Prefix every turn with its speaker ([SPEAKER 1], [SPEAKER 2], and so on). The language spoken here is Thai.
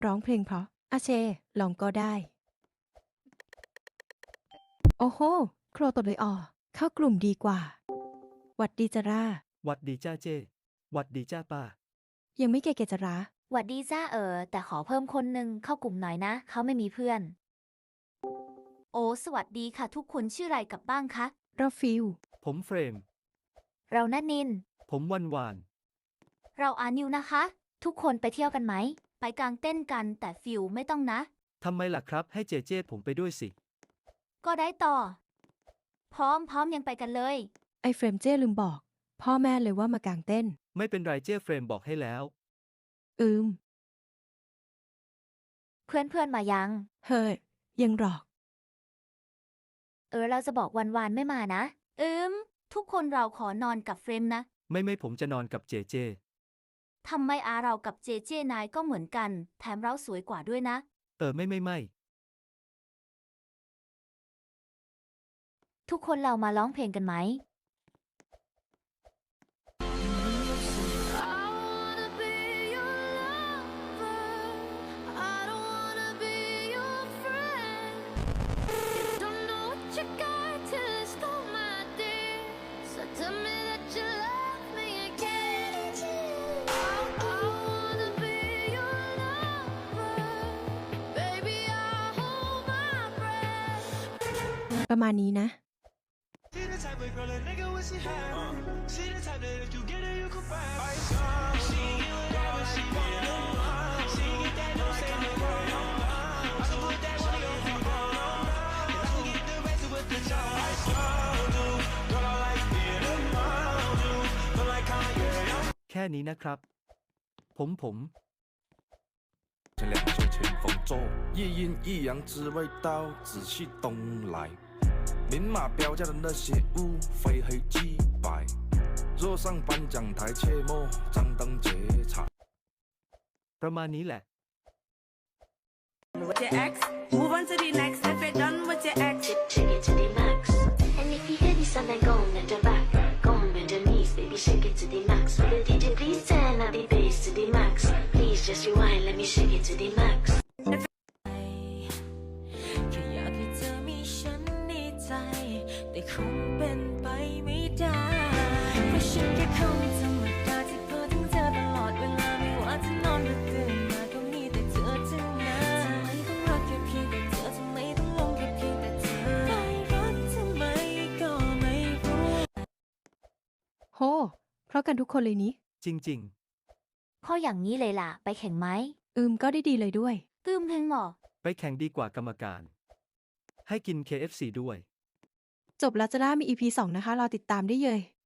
[SPEAKER 1] ร้องเพลงเพราะอาเชลองก็ได้ โอ้โหโครตดเลยเข้ากลุ่มดีกว่าหวัดดีจารา
[SPEAKER 2] หวัดดีจ้าเจ้หวัดดีจ้าป้า
[SPEAKER 1] ยังไม่เก๋จารา
[SPEAKER 3] หวัดดีจ้าแต่ขอเพิ่มคนหนึ่งเข้ากลุ่มหน่อยนะ เขาไม่มีเพื่อน โอ้สวัสดีค่ะทุกคนชื่ออะไรกับบ้างคะ
[SPEAKER 1] เราฟิล
[SPEAKER 2] ผมเฟรม
[SPEAKER 3] เรานันิน
[SPEAKER 2] ผมวันวาน
[SPEAKER 3] เราอานิวนะคะ ทุกคนไปเที่ยวกันไหม ไปกางเต้นกันแต่ฟิวไม่ต้องนะ
[SPEAKER 2] ทำไมล่ะครับให้เจเจผมไปด้วยสิ
[SPEAKER 3] ก็ได้ต่อ พร้อมยังไปกันเลย
[SPEAKER 1] ไอเฟรมเจ้ลืมบอก พ่อแม่เลยว่ามากางเต้น
[SPEAKER 2] ไม่เป็นไรเจ้เฟรมบอกให้แล้ว
[SPEAKER 3] เพื่อนมายัง
[SPEAKER 1] เฮ้ยยังหรอก
[SPEAKER 3] เราจะบอกวันไม่มานะ ทุกคนเราขอนอนกับเฟรมนะ
[SPEAKER 2] ไม่ผมจะนอนกับเจเจ
[SPEAKER 3] ทำไมเรากับเจเจนายก็เหมือนกัน แถมเราสวยกว่าด้วยนะ
[SPEAKER 2] ไม่
[SPEAKER 3] ทุกคนเรามาร้องเพลงกันไหม
[SPEAKER 1] ประมาณนี้นะ
[SPEAKER 2] แค่นี้นะครับ ผม。
[SPEAKER 4] 前两袖清风皱，一阴一阳之味道，仔细东来。明码标价的那些物，非黑即白。若上颁奖台，切莫张灯结彩。
[SPEAKER 2] ประมาณนี้แหละ
[SPEAKER 5] with your ex. Move on to the next. If you're done with your ex.
[SPEAKER 6] Shake it to the max. And if you hear this song, then go and bend your back. Go and bend your knees, baby, shake it to the max. Will the DJ please turn up the bass to the max? Please just rewind, let me shake it to the max.
[SPEAKER 5] แค่อยากให้เธอมีฉันในใจ แต่คงเป็นไปไม่ได้เพราะฉันแค่คนธรรมดาที่พูดถึงเธอตลอดเวลาไม่ว่าจะนอนหรือตื่นมาก็มีแต่เธอทั้งนั้นทำไมต้องรักแค่เพียงแต่เธอทำไมต้องลงแค่เพียงแต่เธอไม่รักทำไมก็ไม่รู้
[SPEAKER 1] โห เพราะกันทุกคนเลยนี้
[SPEAKER 2] จริง
[SPEAKER 3] ข้ออย่างนี้เลยล่ะ ไปแข่งไหม
[SPEAKER 1] ก็ได้ดีเลยด้วย
[SPEAKER 3] เพลงหมอ
[SPEAKER 2] ๆ ไปแข่งดีกว่ากรรมการ ให้กิน KFC ด้วย
[SPEAKER 1] จบแล้วจะได้มี EP 2 นะคะ รอติดตามได้เลย